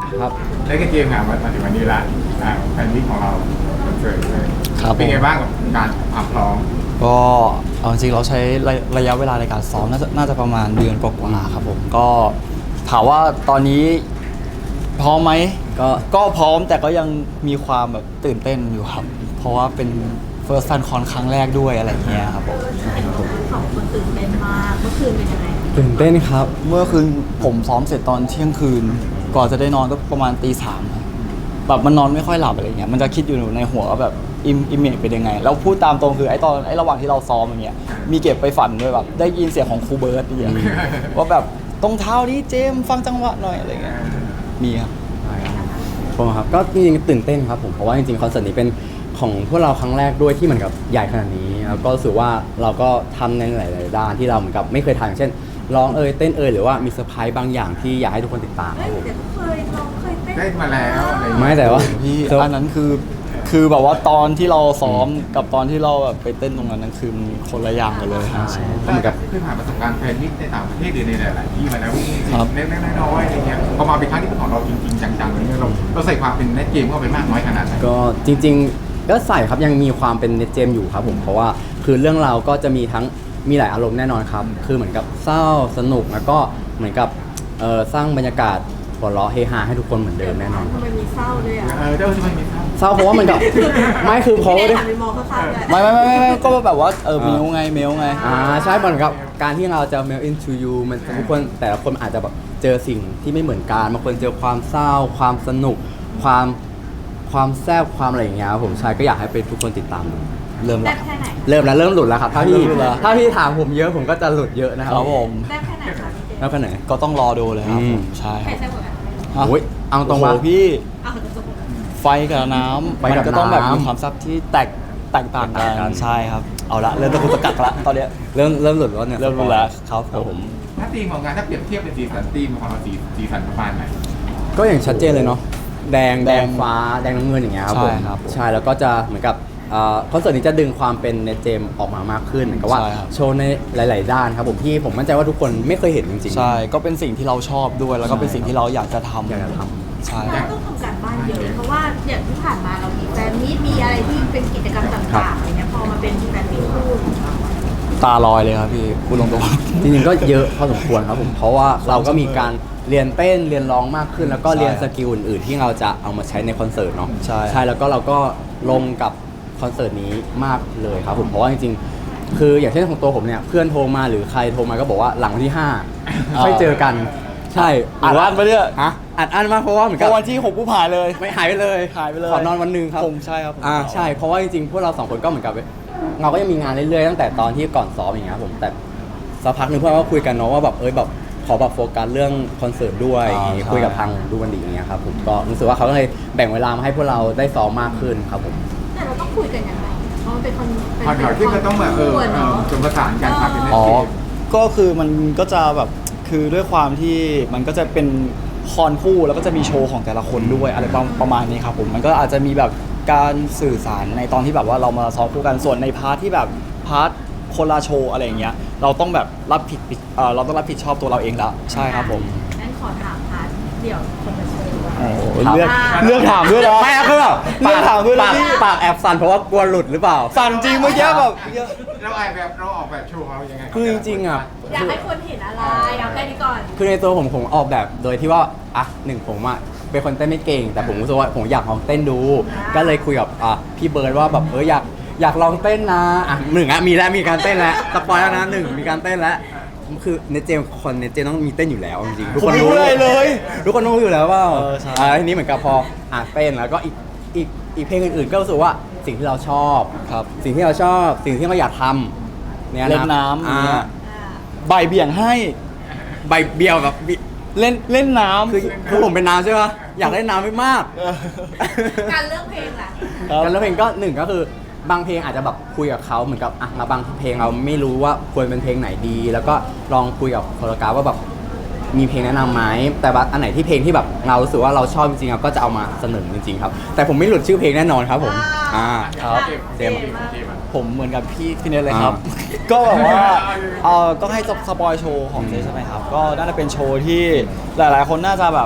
ครับแล้วก็เกมงานมาถึงวันนี้ละแฟนมิตของเราคอนเสิร์ตเลยครับเป็นไงบ้างกับการพร้อมก็เอาจริงๆเราใช้ระยะเวลาในการซ้อมน่าจะประมาณเดือนกว่าๆครับผมก็ถามว่าตอนนี้พร้อมไหมก็พร้อมแต่ก็ยังมีความแบบตื่นเต้นอยู่ครับ เพราะว่าเป็น First Fan Con ครั้งแรกด้วยอะไรเงี้ยครับผมสองคนตื่นเต้นมากเมื่อคืนเป็นยังไงตื่นเต้นครับเมื่อคืนผมซ้อมเสร็จตอนเที่ยงคืนก่อนจะได้นอนก็ประมาณตี 3แบบมันนอนไม่ค่อยหลับอะไรเงี้ยมันจะคิดอยู่ในหัวว่าแบบอิมเมจเป็นยังไงแล้วพูดตามตรงคือไอ้ระหว่างที่เราซ้อมอย่างเงี้ยมีเก็บไปฝันด้วยแบบได้ยินเสียงของครูเบิร์ตอย่างเงี้ยว่าแบบตรงเท้านี้เจมส์ฟังจังหวะหน่อยอะไรเงี้ยมีครับผมครับก็จริงๆตื่นเต้นครับผมเพราะว่าจริงๆคอนเสิร์ตนี้เป็นของพวกเราครั้งแรกด้วยที่เหมือนกับใหญ่ขนาดนี้แล้วก็รู้สึกว่าเราก็ทำในหลายๆด้านที่เราเหมือนกับไม่เคยทำอย่างเช่นร้องเต้นหรือว่ามีเซอร์ไพรส์บางอย่างที่อยากให้ทุกคนติดตามคเฮ้รัยบผมแต่เคยเราเคยเต้นได้มาแล้วอะไรอย่างไม่เงี้ยแต่ว่าพี่อันนั้นคือแบบว่าตอนที่เราซ้อมกับตอนที่เราแบบไปเต้นตรงนั้นคือมันคนละอย่างกันเลยครับเหมือนกับเพิ่งผ่านประสบการณ์แฟนมิตในต่างประเทศหรือในหลายๆที่มาแล้วครับเล็กๆน้อยๆอะไรเงี้ยพอมาเป็นครั้งที่เป็นของเราจริงๆจังๆอะไรเงี้ยเราใส่ความเป็นเล่นเกมเข้าไปมากน้อยขนาดไหนก็จริงๆก็ใส่ครับยังมีความเป็นเน็ตเจมอยู่ครับผมเพราะว่าคือเรื่องราวก็จะมีหลายอารมณ์แน่นอนครับคือเหมือนกับเศร้าสนุกแล้วก็เหมือนกับสร้างบรรยากาศหัวเราะเฮฮาให้ทุกคนเหมือนเดิมแน่นอนทำไมมีเศร้าด้วยอ่ะเดี๋ยวจะไม่มีครับเศร้าเพราะว่ามันกับไม่คือเพราะว่าไม่ได้หันไปมองเขาเศร้าด้วยไม่ก็แบบว่าเมลไงใช่เหมือนกับการที่เราจะ mail into you มันทุกคนแต่ละคนอาจจะแบบเจอสิ่งที่ไม่เหมือนกันบางคนเจอความเศร้า ความสนุก ความแซ่บความอะไรอย่างเงี้ยครับผมใช่ก็อยากให้เป็นทุกคนติดตามดูเริ่มแซ่ละบแค่ไหนเริ่มหลุดแล้วครับถ้าเริ่มหลุดแล้วพี่ถามผมเยอะผมก็จะหลุดเยอะนะคครัรับบผมแซ่บแค่ไหนคะพี่เจแล้วก็ไหนก็ต้องรอดูเลยครับผมใช่ใคครรับแซ่บกว่ากันฮะโอ้ยเอาตรงว่าโอ้โหพี่อ้าวจะจบไฟกับน้ำไฟกับมันก็ต้องแบบน้ำมีความซับที่แตกต่างแตกต่างกักันนใช่ครับเอาละเริ่มตะกุกตะกักละตอนเนี้ยเริ่มหลุดแล้วเนี่ยเริ่มรู้แล้วครับผมถ้าทีมของงานถ้าเปรียบเทียบเป็นสีสันทีมของเราสีสันประมาณไหนก็อย่างชัดเจนเลยเนาะแดงฟ้าแดงน้ำเงินอย่างเงี้ยครับผมใช่ครับใช่แล้วก็จะเหมือนกับคอนเสิร์ตนี้จะดึงความเป็นเนเจมออกมามากขึ้นเหมือนกับว่าใช่ครับโชว์ในหลาย ๆ ด้านครับผมที่ผมมั่นใจว่าทุกคนไม่เคยเห็นจริงๆใช่ก็เป็นสิ่งที่เราชอบด้วยแล้วก็เป็นสิ่งที่เราอยากจะทำอยากจะทใช่เราต้องทำการบ้านเยอะเพราะว่าอย่างที่ผ่านมาเรามีแฟนมีตมีอะไรที่เป็นกิจกรรมต่างๆอะไรเงี้ยพอมาเป็นแฟนมีตคู่ตาลอยเลยครับพี่พูดตรงจริงๆก็เยอะพอสมควรครับผมเพราะว่าเราก็มีการเรียนเต้นเรียนร้องมากขึ้น แล้วก็เรียนสกิลอื่น ๆ ที่เราจะเอามาใช้ในคอนเสิร์ตเนาะใช่ใช่แล้วก็เราก็ลงกับคอนเสิร์ตนี้มากเลยครับผมเพราะว่าจริงๆคืออย่างเช่นของตัวผมเนี่ยเพื่อนโทรมาหรือใครโทรมาก็บอกว่าหลังวันที่5ค่อยเจอกันใช่ๆอ่านอันไปเนี่ยฮะอัดอั้นมากเพราะว่าเหมือนพกับอวันที่6ผู้ผ่านเลยไม่หายไปเลยหายไปเลยขอนอนวันหนึงครับผมใช่ครับผมใช่เพราะว่าจริงๆพวกเราสองคนก็เหมือนกับเราก็ยังมีงานเรื่อยๆตั้งแต่ตอนที่ก่อนซ้อมอย่างเงี้ยครับผมแต่สักพักหนึ่งเพื่อนก็คุยกันเนาะว่าแบบแบบขอแบบโฟกัสเรื่องคอนเสิร์ตด้วยอย่างงี้คุยกับทางดูมันดีอย่างเงี้ยครับผมก็รู้สึกว่าเขาก็เลยแบ่งเวลามาให้พวกเราได้ซ้อมมากขึ้นครับผมแต่เราต้องคุยกันยังไงเพราะมันเป็นคนพอเดี๋ยวที่มันต้องแบบคู่ะเนาะจนประสานกันครับเป็นเล่นอ๋อเกมก็คือมันก็จะแบบคือด้วยความที่มันก็จะเป็นคอนคู่แล้วก็จะมีโชว์ของแต่ละคนด้วยอะไรประมาณนี้ครับผมมันก็อาจจะมีแบบการสื่อสารในตอนที่แบบว่าเรามาซ้อมคู่กันส่วนในพาร์ทที่แบบพาร์ทคนละโชว์อะไรอย่างเงี้ยเราต้องแบบเราต้องรับผิดชอบตัวเราเองแล้วใช่ครับผมงั้นขอถามพาร์ทเดี่ยวคนละโชว์ดีกว่าโอ้โหครับเลือกถามด้วยนะไม่อะคือแบบเลือกถามด้วยนะปากแอบสั่นเพราะว่ากลัวหลุดหรือเปล่าสั่นจริงเมื่อกี้แบบเราออกแบบโชว์ของเรายังไงคือจริงๆอ่ะอยากให้คนเห็นอะไรเอาแค่นี้ก่อนคือในตัวผมออกแบบโดยที่ว่าหนึ่งผมเป็นคนเต้นไม่เก่ง แต่ผมรู้สึกว่าผมอยากลองเต้นดู ก็เลยคุยกับพี่เบิร์ดว่าแบบอยากลองเต้นนะหนึ่งมีการเต้นแล้วสปอยแล้วนะหนึ่งมีการเต้นแล้วคือเนเจมต้องมีเต้นอยู่แล้วจริงๆทุกคนรู้ผมไม่รู้เลยเลยทุกคนรู้อยู่แล้วว่าใช่ทีนี้เหมือนกับพอเต้นแล้วก็อีกเพลงอื่นๆ ก็รู้สึกว่าสิ่งที่เราชอบครับสิ่งที่เราชอบสิ่งที่เราอยากทำเนี่ยเล่นนะน้ำอย่างเงี้ยอ่าใบเบี่ยงให้ใบเบี้ยวกับเล่นน้ำคือผมเป็นน้ำใช่ปะอยากได้น้ำไม่มากเออการเลือกเพลงล่ะครับการเลือกเพลงก็หนึ่งก็คือบางเพลงอาจจะแบบคุยกับเขาเหมือนกับมาบางเพลงเราไม่รู้ว่าควรเป็นเพลงไหนดี แล้วก็ลองคุยกับโคโรกราฟว่าแบบมีเพลงแนะนำไหมแต่ว่าอันไหนที่เพลงที่แบบเรารู้สึกว่าเราชอบจริงๆครับก็จะเอามาเสนอจริงๆครับแต่ผมไม่หลุดชื่อเพลงแน่นอนครับผมครับเจมส์ผมเหมือนกับพี่เนทเลยครับ ก็แบบว่าต้องให้สปอยโชว์ของเจใช่ไหมครับ ก็น่าจะเป็นโชว์ที่หลายๆ คนน่าจะแบบ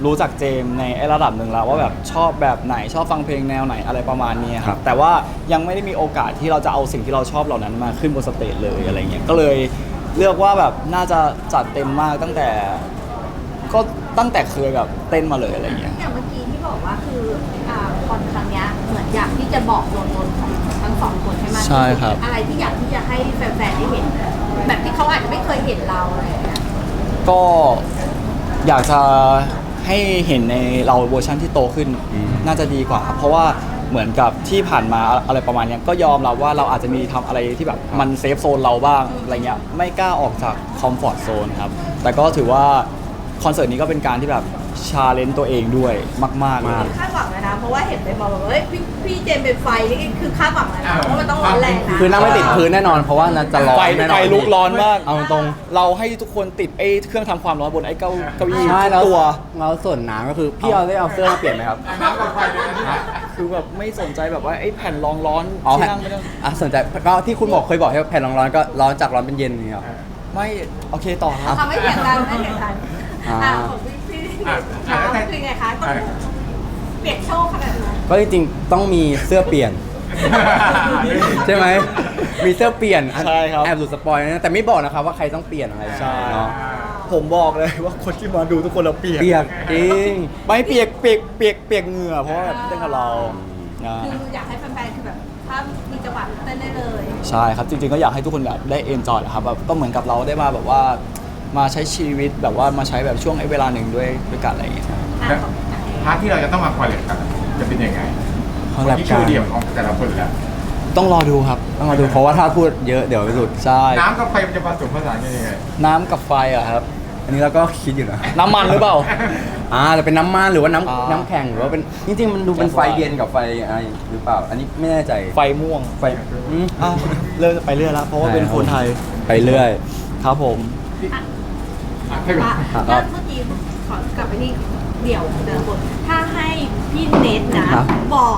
รู้จักเจมส์ในระดับหนึ่งแล้วว่าแบบชอบแบบไหนชอบฟังเพลงแนวไหนอะไรประมาณนี้คครัรับบ แต่ว่ายังไม่ได้มีโอกาสที่เราจะเอาสิ่งที่เราชอบเหล่านั้นมาขึ้นบนสเตจเลยอะไรเงี้ยก็เลยเลือกว่าแบบน่าจะจัดเต็มมากตั้งแต่เคยแบบเต้นมาเลยอะไรเงี้ยอย่างเมื่อกี้ที่บอกว่าคือคอนครั้งเนี้ยเหมือนอยากที่จะบอกตัวตนของทั้งสองคนให้มากที่สุดใช่ครับอะไรที่อยากที่จะให้แฟนๆได้เห็น แบบที่เขาอาจจะไม่เคยเห็นเราอะไรอย่างเงี้ยก็อยากจะให้เห็นในเราเวอร์ชันที่โตขึ้น น่าจะดีกว่าครับเพราะว่าเหมือนกับที่ผ่านมาอะไรประมาณเนี้ยก็ยอมรับว่าเราอาจจะมีทำอะไรที่แบบมันเซฟโซนเราบ้างอะไรเงี้ยไม่กล้าออกจากคอมฟอร์ทโซนครับแต่ก็ถือว่าคอนเสิร์ตนี้ก็เป็นการที่แบบชาเลนจ์ตัวเองด้วยมากๆเลยคาดหวังเลยนะ เพราะว่าเห็นไปบอกว่าเฮ้ยพี่เจมส์เป็นไฟนี่คือคาดหวังเลยนะเพราะมันต้องร้อนแรงนะคือนั่งไม่ติดพื้นแน่นอนเพราะว่าน่าจะร้อนไฟแน่นอนลุกร้อนมากเอาตรงเราให้ทุกคนติดไอ้เครื่องทำความร้อนบนไอ้เก้าอี้ใช่ทุแล้วกตัวเราส่วนน้ำก็คือพี่เอาได้เอาเสื้อมาเปลี่ยนไหมครับน้ำกับไฟด้วยนะคือแบบไม่สนใจแบบว่าไอ้แผ่นรองร้อนอ๋อที่แผ่นนั่งไม่ต้องสนใจก็ที่คุณบอกเคยบอกให้แผ่นร้อนๆก็ร้อนจากร้อนเป็นเย็นอย่างเงี้ยหรอไม่โอเคต่อครับทำไม่เถียงกันไม่เถียงกันอ่าของพี่คือไงคะต้องเปลี่ยนโชว์ขนาดไหนก็จริงๆต้องมีเสื้อเปลี่ยน ใช่ไหมมีเสื้อเปลี่ยนใช่ครับแอบหลุดสปอยนะแต่ไม่บอกนะครับว่าใครต้องเปลี่ยนอะไรใช่เนาะผมบอกเลยว่าคนที่มาดูทุกคนเราเปียกเปียกจริงไม่เปียกเหงื่อเพราะว่าเต้นกับเรานะคืออยากให้แฟนๆคือแบบถ้ามีจังหวะเต้นได้เลยใช่ครับจริงๆก็อยากให้ทุกคนแบบได้เอนจอยครับแบบก็เหมือนกับเราได้มาแบบว่ามาใช้ชีวิตแบบว่ามาใช้แบบช่วงเวลาหนึ่งด้วยกันอะไรอย่างเงี้ยอ่ะของพาร์ทที่เราจะต้องมาคอลเลกกันจะเป็นยังไงคอลแลบกันที่ชื่อเดียวของแต่ละคนแล้วต้องรอดูครับต้องมาดูเพราะว่าถ้าพูดเยอะเดี๋ยวหลุดใช่น้ำกับไฟมันจะผสมผสานกันยังไงน้ำกับไฟอะครับอันนี้เราก็คิดอยู่นะน้ำมันหรือเปล่าจะเป็นน้ำมันหรือว่าอ่าน้ำแข็งหรือว่าเป็นจริงๆมันดูเป็นไฟเย็นกับไฟอะไรหรือเปล่า อันนี้ไม่แน่ใจไฟม่วงไฟอืมอ้าวเริ่มไปเรื่อยแล้วเพราะว่าเป็นคนไทยไปเรื่อยครับผมให้ก่อนแล้วเมื่อกี้ขอกลับไปที่เดี่ยวของแต่ละคนถ้าให้พี่เนทนะครับบอก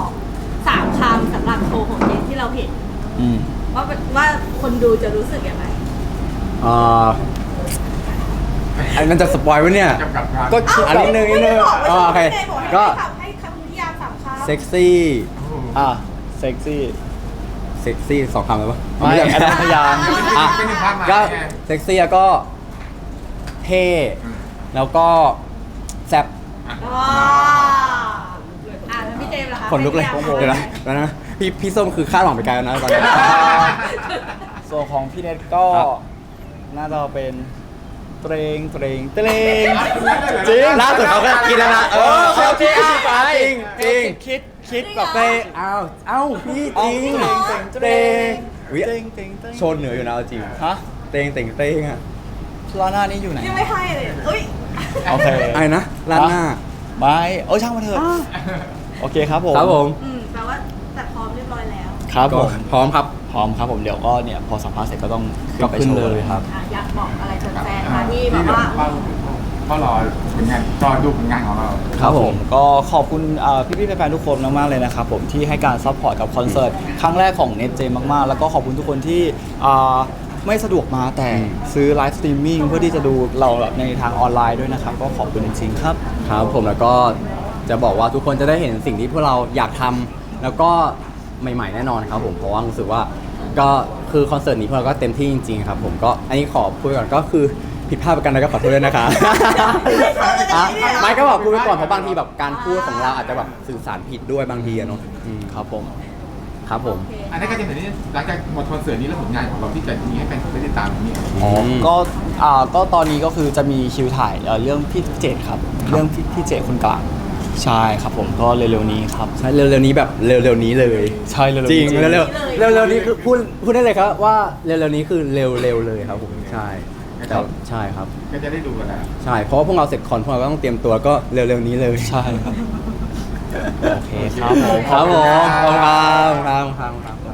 3 คำสำหรับโชว์ของเนทที่เราเห็นอืมว่าคนดูจะรู้สึกยังไงอันนั้นจะสปอยไว้เนี่ยจำกัดการก็คิดอันนี้นึงไม่ได้บอกว่าโอเคไม่ได้บอกก็ให้คำนิยาม3 คำเซ็กซี่อ่ะเซ็กซี่เซ็กซี่สองคำเลยปะไม่อันนั้นพยางค์อ่ะเป็นหนึ่งภาพมาก็แน่เซ็กซี่แล้วก็เท่แล้วก็แซ่บอ๋อแล้วพี่เจมส์ล่ะคะขนลุกเลยให้นิามเดี๋ยวนะแล้วนะพี่ส้มคือคาดหวังไปไกลแล้วนะตอนนี้ส่วนของพี่เน็ตก็ครับน่าจะเป็นเตรงจริงจริงล่าสุดเขาก็คิดแล้วนะเขาคิดไปจริงคิดแบบเตะเอ้าพี่จริงเตงวิโชนเหนืออยู่นะเอาจริงฮะเตงอ่ะร้านหน้านี้อยู่ไหนยังไม่ให้เลยเอ้ยโอเคไอ้นะร้านหน้าไม่ช่างมาเถอะโอเคครับผมครับผมแปลว่าจัดพร้อมเรียบร้อยแล้วครับผมพร้อมครับพร้อมครับผมเดี๋ยวก็เนี่ยพอสัมภาษณ์เสร็จก็ต้องก็ไปขึ้นโชว์เลยครับอยากบอกอะไรแฟนๆคะที่แบบว่าก็รอผลงานรอดูผลงานของเราครับผมก็ขอบคุณพี่ๆแฟนๆทุกคนมากๆเลยนะครับผมที่ให้การซัพพอร์ตกับคอนเสิร์ตครั้งแรกของเน็ตเจมากๆ แล้วก็ขอบคุณทุกคนที่ไม่สะดวกมาแต่ซื้อไลฟ์สตรีมมิ่งเพื่อที่จะดูเราในทางออนไลน์ด้วยนะครับก็ขอบคุณจริงๆครับครับผมแล้วก็จะบอกว่าทุกคนจะได้เห็นสิ่งที่พวกเราอยากทำแล้วก็ใหม่ๆแน่นอนครับผมเพราะว่ารู้สึกว่าก็คือคอนเสิร์ตนี้พวกเราก็เต็มที่จริงๆครับผมก็อันนี้ขอพูดก่อนก็คือผิดพลาดไปกันแล้วก็ขอโทษด้วยนะคะไม่ก็บอกพูดไปก่อนเพราะบางทีแบบการพูดของเราอาจจะแบบสื่อสารผิดด้วยบางทีอะเนาะครับผมครับผมอันนี้ก็จะเห็นนี่หลังจากหมดคอนเสิร์ตนี้แล้วผลงานของเราที่จะมีให้แฟนได้ติดตามนี้ก็ตอนนี้ก็คือจะมีคิวถ่ายเรื่องพี่เจตครับเรื่องพี่เจตคนกลางใช่ครับผมก็เร็วๆนี้ครับใช่เร็วๆนี้แบบเร็วๆนี้เลยใช่เร็วๆจริงนี้เร็วๆเร็วๆนี้คือพูดได้เลยครับว่าเร็วๆนี้คือเร็วๆเลยครับผมใช่แต่ใช่ครับก็จะได้ดูกันแล้วใช่เพราะว่าพวกเราเสร็จคอนพวกเราก็ต้องเตรียมตัวก็เร็วๆนี้เลยใช่ครับโอเคครับผมครับผมขอบคุณครับ